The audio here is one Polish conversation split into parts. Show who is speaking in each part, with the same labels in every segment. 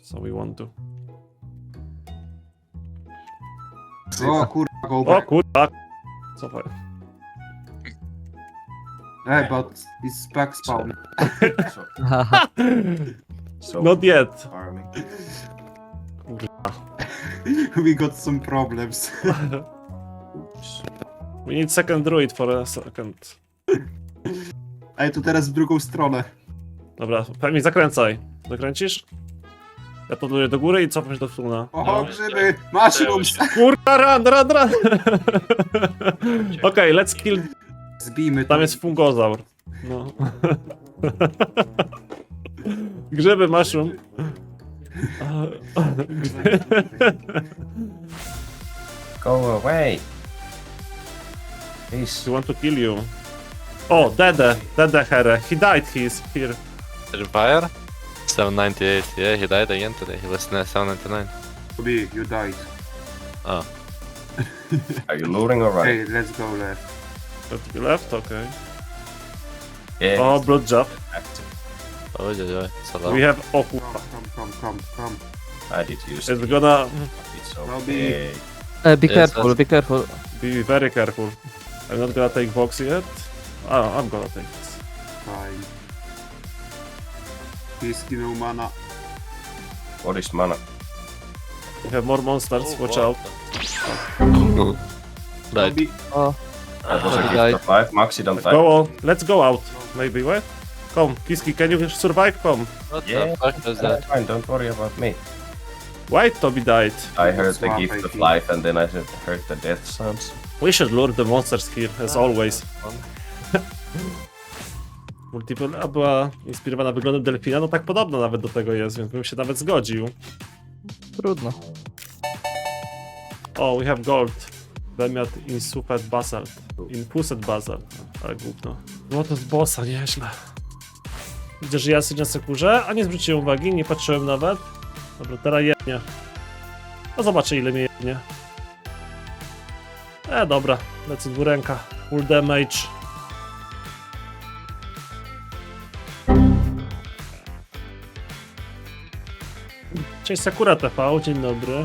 Speaker 1: So we want to.
Speaker 2: O kurwa, go
Speaker 1: O
Speaker 2: back.
Speaker 1: kurwa! Cofaj.
Speaker 2: Hey, but it's back spawn.
Speaker 3: So
Speaker 1: Not yet.
Speaker 3: farming.
Speaker 2: We got some problems.
Speaker 3: Oops.
Speaker 1: We need second druid for a second.
Speaker 2: Ej, to teraz w drugą stronę.
Speaker 1: Dobra, pewnie zakręcaj. Zakręcisz? Ja podluję do góry i cofam się do tuna.
Speaker 2: Oho, grzyby! Mushrooms!
Speaker 1: Kurwa, run! Okej, let's kill.
Speaker 2: Zbijmy to.
Speaker 1: Tam jest fungozaur. No. Grzyby, mushroom.
Speaker 3: Go away. Please.
Speaker 1: We want to kill you. O, Dede Here. He died, he's here.
Speaker 4: Vampire? 798, yeah, he died again today. He was 799.
Speaker 2: Bobby, you died.
Speaker 4: Oh.
Speaker 3: Are you luring or right?
Speaker 2: Hey, let's go left.
Speaker 1: To be left, okay.
Speaker 3: Yeah.
Speaker 1: Oh, blood job.
Speaker 3: Active.
Speaker 4: Oh, yeah, it's a lot.
Speaker 1: We have. Oh,
Speaker 2: Come,
Speaker 1: kurwa.
Speaker 2: come.
Speaker 3: I did use
Speaker 1: It's
Speaker 3: it.
Speaker 1: gonna
Speaker 3: It's
Speaker 2: Robbie.
Speaker 3: okay.
Speaker 5: Be
Speaker 4: Yes,
Speaker 5: careful,
Speaker 4: that's-
Speaker 5: be careful.
Speaker 1: be very careful. I'm not gonna take box yet. Oh, I'm gonna take this.
Speaker 2: Fine. Piski no mana.
Speaker 3: What is mana?
Speaker 1: We have more monsters,
Speaker 4: Oh,
Speaker 1: watch
Speaker 4: wow.
Speaker 1: out.
Speaker 4: Right.
Speaker 2: Bobby,
Speaker 5: Oh,
Speaker 3: That was a
Speaker 5: he
Speaker 3: gift
Speaker 5: died.
Speaker 3: of life. Maxi, don't die.
Speaker 1: Go on, let's go out. Maybe, wait. Come, Kiski, can you survive? Come.
Speaker 4: What
Speaker 3: Yeah.
Speaker 4: the fuck is
Speaker 3: That's
Speaker 4: that?
Speaker 3: fine, don't worry about me.
Speaker 1: Why Toby died?
Speaker 3: I heard the
Speaker 2: Swap,
Speaker 3: gift
Speaker 2: I
Speaker 3: of
Speaker 2: think.
Speaker 3: life and then I heard the death sounds.
Speaker 1: We should lure the monsters here, as always. Multiple była inspirowana wyglądem delfina, no tak podobno nawet do tego jest, więc bym się nawet zgodził.
Speaker 5: trudno.
Speaker 1: O, we have gold. Bemiat insufet basalt. Inpuset basalt. Ale gówno. No to z bossa, nieźle. Widzę, że ja sobie na sekurze, a nie zwróciłem uwagi, nie patrzyłem nawet. Dobra, teraz jednie. No zobaczę ile mnie jednie. Dobra, lecę dwuręka. Full damage. Cześć Sakura TV, dzień dobry.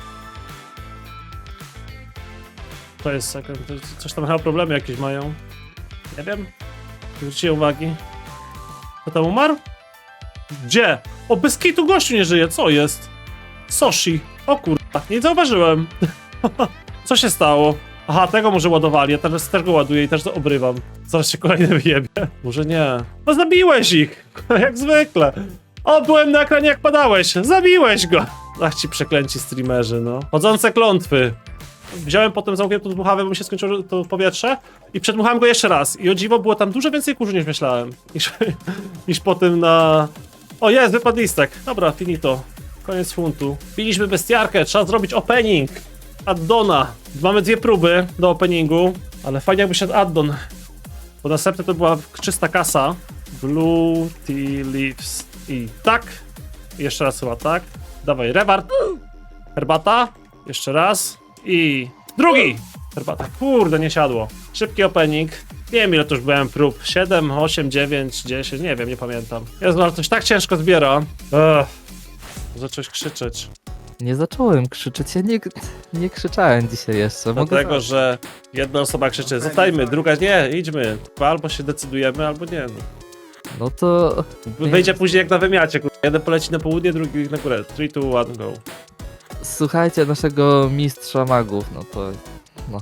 Speaker 1: To jest second, coś tam chyba problemy jakieś mają. Nie wiem. Nie zwróciłem uwagi. Kto tam umarł? Gdzie? O, bez kitu gościu nie żyje, co jest? Soshi. O kurwa, nie zauważyłem. Co się stało? Aha, tego może ładowali, ja teraz też go ładuję i też to obrywam. Zaraz się kolejny wyjebie. Może nie. No zabiłeś ich! Jak zwykle. O, byłem na ekranie jak padałeś. Zabiłeś go! Ach ci przeklęci streamerzy, no. Chodzące klątwy. Wziąłem potem zamkniętą dmuchawę, bo mi się skończyło to powietrze i przedmuchałem go jeszcze raz. I o dziwo było tam dużo więcej kurzu niż myślałem. Niż po tym na... O jest, wypadł listek. Dobra, finito. Koniec funtu. Biliśmy bestiarkę, trzeba zrobić opening. Addona. Mamy dwie próby do openingu, ale fajnie jakby szedł addon. Bo następne to była czysta kasa. Blue Tea Leaves. I tak. I jeszcze raz chyba tak. Dawaj, rewart. Herbata. Jeszcze raz. I drugi! Herbata. Kurde, nie siadło. Szybki opening. Nie wiem ile to już byłem prób. 7, 8, 9, 10, nie wiem, nie pamiętam. Jezu, ale coś tak ciężko zbiera. Zacząłeś krzyczeć.
Speaker 5: Nie zacząłem krzyczeć, ja nie krzyczałem dzisiaj jeszcze. Mogę
Speaker 1: Dlatego, że jedna osoba krzyczy, zostajmy, druga nie, idźmy. Albo się decydujemy, albo nie. No.
Speaker 5: No to...
Speaker 1: Wyjdzie później jak na wymiacie. Jeden poleci na południe, drugi na górę. 3, 2, 1, go.
Speaker 5: Słuchajcie naszego mistrza magów, no to... No.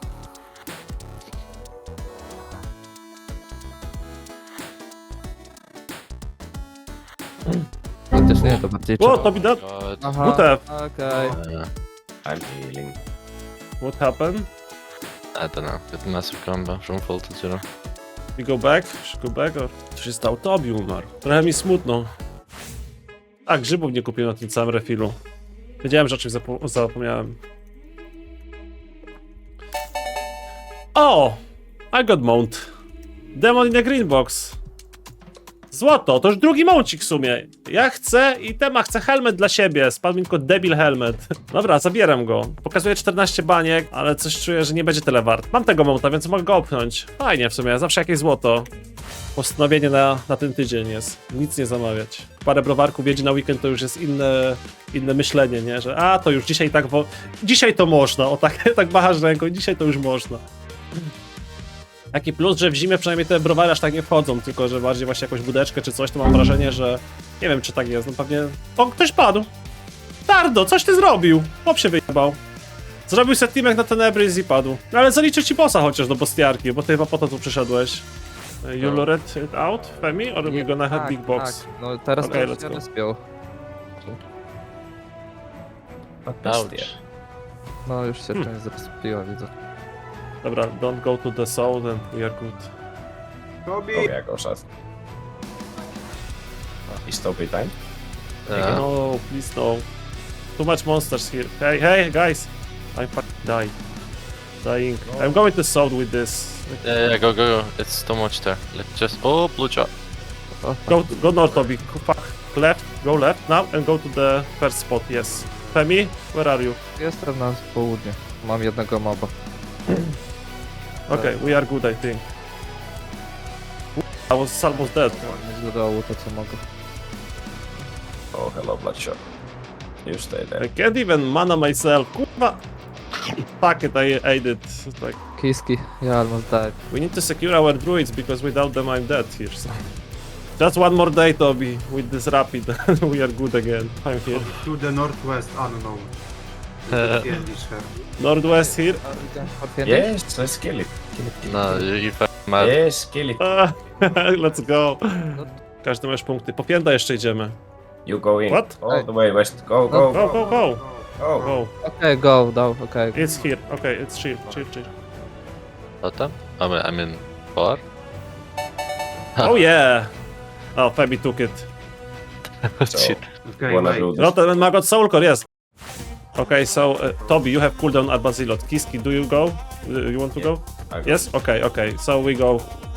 Speaker 5: Chociaż nie, to bardziej
Speaker 1: O,
Speaker 5: trzeba...
Speaker 1: to widać.
Speaker 4: God.
Speaker 5: Aha,
Speaker 1: WTF.
Speaker 5: okej.
Speaker 3: I'm healing.
Speaker 1: What happened?
Speaker 4: I don't know. Get massive combo from full to zero.
Speaker 1: We go back? Should go back? Or... Co się stało? Tobi umarł. Trochę mi smutno. A, grzybów nie kupiłem na tym całym refilu. Wiedziałem, że o czymś zapomniałem. O! I got mount. Demon in a green box. Złoto, to już drugi mącik w sumie. Ja chcę i Tema chce helmet dla siebie. Spadł mi tylko debil helmet. Dobra, zabieram go. Pokazuję 14 baniek, ale coś czuję, że nie będzie tyle wart. Mam tego mołta, więc mogę go opchnąć. Fajnie w sumie, zawsze jakieś złoto. Postanowienie na ten tydzień jest. Nic nie zamawiać. Parę browarków jedzie na weekend, to już jest inne myślenie, nie? Że to już dzisiaj tak... Dzisiaj to można. O tak, tak machasz ręką, dzisiaj to już można. Taki plus, że w zimie przynajmniej te browary aż tak nie wchodzą, tylko że bardziej właśnie jakąś budeczkę czy coś, to mam wrażenie, że... Nie wiem, czy tak jest, no pewnie... O, ktoś padł! Tardo, coś ty zrobił! Chłop się wyjebał. Zrobił settimek na Tenebris i padł. No ale zaliczę ci bossa chociaż do bostiarki, bo ty chyba po to tu przyszedłeś. You lured it out, Femi? Or we gonna have big box?
Speaker 5: Tak. No teraz
Speaker 1: Okej,
Speaker 5: to
Speaker 1: let's
Speaker 5: się
Speaker 1: go.
Speaker 5: rozpiął.
Speaker 4: Ouch.
Speaker 5: No już się część zrespiła, widzę.
Speaker 1: Dobra, don't go to the south and we are good.
Speaker 2: Tobi!
Speaker 3: Oh yeah, go shot. Is Toby time?
Speaker 4: Yeah.
Speaker 1: No, please no. Too much monsters here. Hey, guys! I'm fucking dying. I'm going to south with this.
Speaker 4: Yeah, go. It's too much there. Let's just... Oh, blue chop.
Speaker 1: Go north, Toby. Fuck. Left, go left now and go to the first spot, yes. Femi, where are you?
Speaker 5: Jestem na południe. Mam jednego moba.
Speaker 1: Okay, we are good, I think. I was almost dead.
Speaker 5: Nie z dołu to co mogę.
Speaker 3: Oh, hello, Bloodshot. You stay there.
Speaker 1: I can't even mana myself. Kurwa. Fuck it, I ate it. It's like,
Speaker 5: Kiski, ja almost died.
Speaker 1: we need to secure our druids because without them I'm dead here. So. Just one more day, Toby, with this rapid, and we are good again. I'm here.
Speaker 2: To the northwest unknown. Kiedyś her.
Speaker 1: Northwest here.
Speaker 3: Yes, let's kill it. Kill it, kill it.
Speaker 4: No, you fucking mad.
Speaker 3: Yes, kill it.
Speaker 1: Let's go. Każdy masz punkty. Po pięta jeszcze idziemy.
Speaker 3: You go in.
Speaker 1: What?
Speaker 3: All the way west. Go, go,
Speaker 1: Go, go, go.
Speaker 3: go.
Speaker 1: Go.
Speaker 5: Okej, go, dał, okej.
Speaker 1: It's here. Okay, it's chill.
Speaker 4: Totem? I mean, bar?
Speaker 1: Oh yeah. Oh, Femi took it.
Speaker 3: So,
Speaker 4: Shit.
Speaker 2: Okay,
Speaker 3: wanna
Speaker 2: wait.
Speaker 3: do this?
Speaker 1: Rotten Magot Soul Core, yes. Okay, so Toby, you have cooldown at Basilot. Kiski, do you go? You want to go?
Speaker 3: I go.
Speaker 1: Yes? Okay. So we go.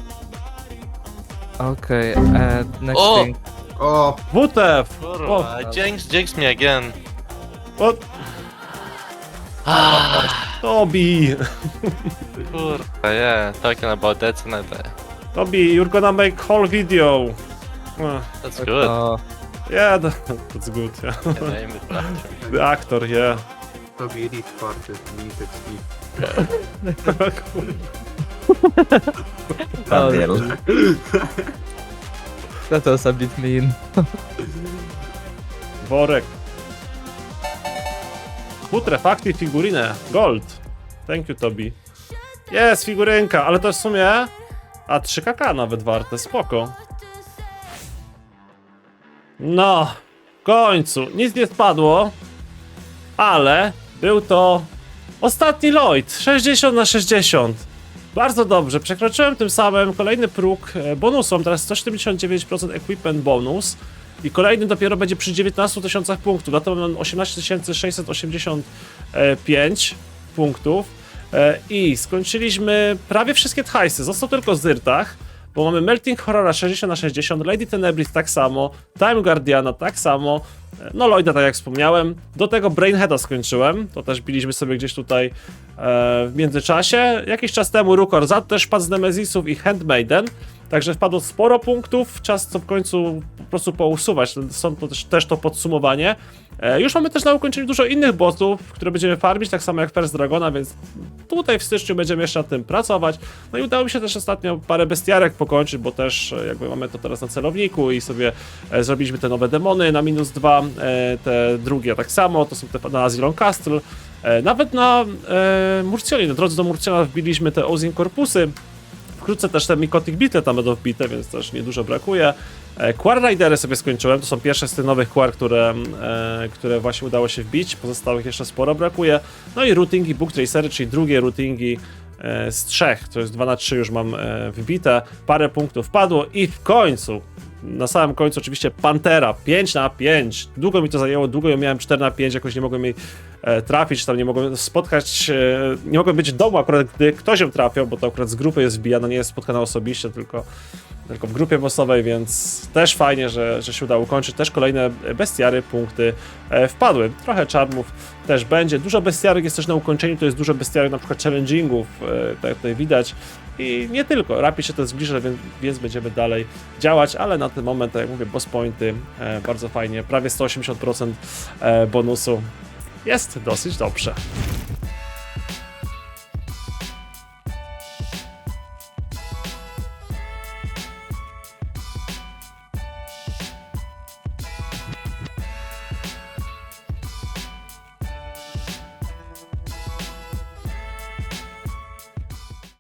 Speaker 5: Okej, next
Speaker 4: O!
Speaker 5: thing.
Speaker 2: O!
Speaker 1: WTF!
Speaker 4: Kurwa, jinx me again.
Speaker 1: What? Toby!
Speaker 4: Kurwa, yeah, talking about that tonight.
Speaker 1: Toby, you're gonna make whole video.
Speaker 4: That's good.
Speaker 5: O,
Speaker 1: Yeah, that's good. Yeah.
Speaker 4: Yeah, name it after.
Speaker 1: The actor, yeah.
Speaker 2: Tobi Elite Party, Limited Speed.
Speaker 3: Daniel.
Speaker 5: that was a bit mean.
Speaker 1: Worek. Putrefacti figurinę. Gold. Thank you, Toby. Jest figurynka, ale to w sumie... A 3kk nawet warte, spoko. No, w końcu. Nic nie spadło. Ale był to... Ostatni Lloyd. 60 na 60. Bardzo dobrze. Przekroczyłem tym samym kolejny próg bonusu. Mam teraz 179% equipment bonus. I kolejny dopiero będzie przy 19 000 punktów. Na to mam 18 685 punktów. I skończyliśmy prawie wszystkie hajsy. Został tylko Zyrtach, bo mamy Melting Horrora 60 na 60, Lady Tenebris tak samo, Time Guardiana tak samo, no Lloyda tak jak wspomniałem. Do tego Brainheada skończyłem, to też biliśmy sobie gdzieś tutaj w międzyczasie. Jakiś czas temu Rukor Zad też padł z Nemezisów i Handmaiden. Także wpadło sporo punktów, czas co w końcu po prostu pousuwać, są to też to podsumowanie. Już mamy też na ukończeniu dużo innych bossów, które będziemy farmić, tak samo jak First Dragona, więc tutaj w styczniu będziemy jeszcze nad tym pracować. No i udało mi się też ostatnio parę bestiarek pokończyć, bo też jakby mamy to teraz na celowniku i sobie zrobiliśmy te nowe demony na -2, te drugie tak samo, to są te na Azilon Castle. Nawet na Murcjonie, na drodze do Murcjona wbiliśmy te Ozin Corpusy. Wkrótce też te Mikotic Beetle tam będą wbite, więc też niedużo brakuje. Quar Ridery sobie skończyłem, to są pierwsze z tych nowych Quar, które właśnie udało się wbić, pozostałych jeszcze sporo brakuje. No i routingi Book Tracery, czyli drugie routingi z 3, to jest 2 na 3 już mam wbite, parę punktów padło i w końcu, na samym końcu oczywiście Pantera, 5 na 5, długo mi to zajęło, długo ją miałem 4 na 5, jakoś nie mogłem jej trafić, tam nie mogłem spotkać, nie mogłem być w domu akurat, gdy ktoś ją trafiał, bo to akurat z grupy jest wbijana, nie jest spotkana osobiście, tylko tylko w grupie bossowej, więc też fajnie, że się udało ukończyć. Też kolejne bestiary, punkty wpadły. Trochę czarmów też będzie. Dużo bestiarek jest też na ukończeniu, to jest dużo bestiarek na przykład challengingów, tak jak tutaj widać. I nie tylko, Rapid się to zbliża, więc będziemy dalej działać, ale na ten moment, tak jak mówię, boss pointy bardzo fajnie, prawie 180% bonusu. Jest dosyć dobrze.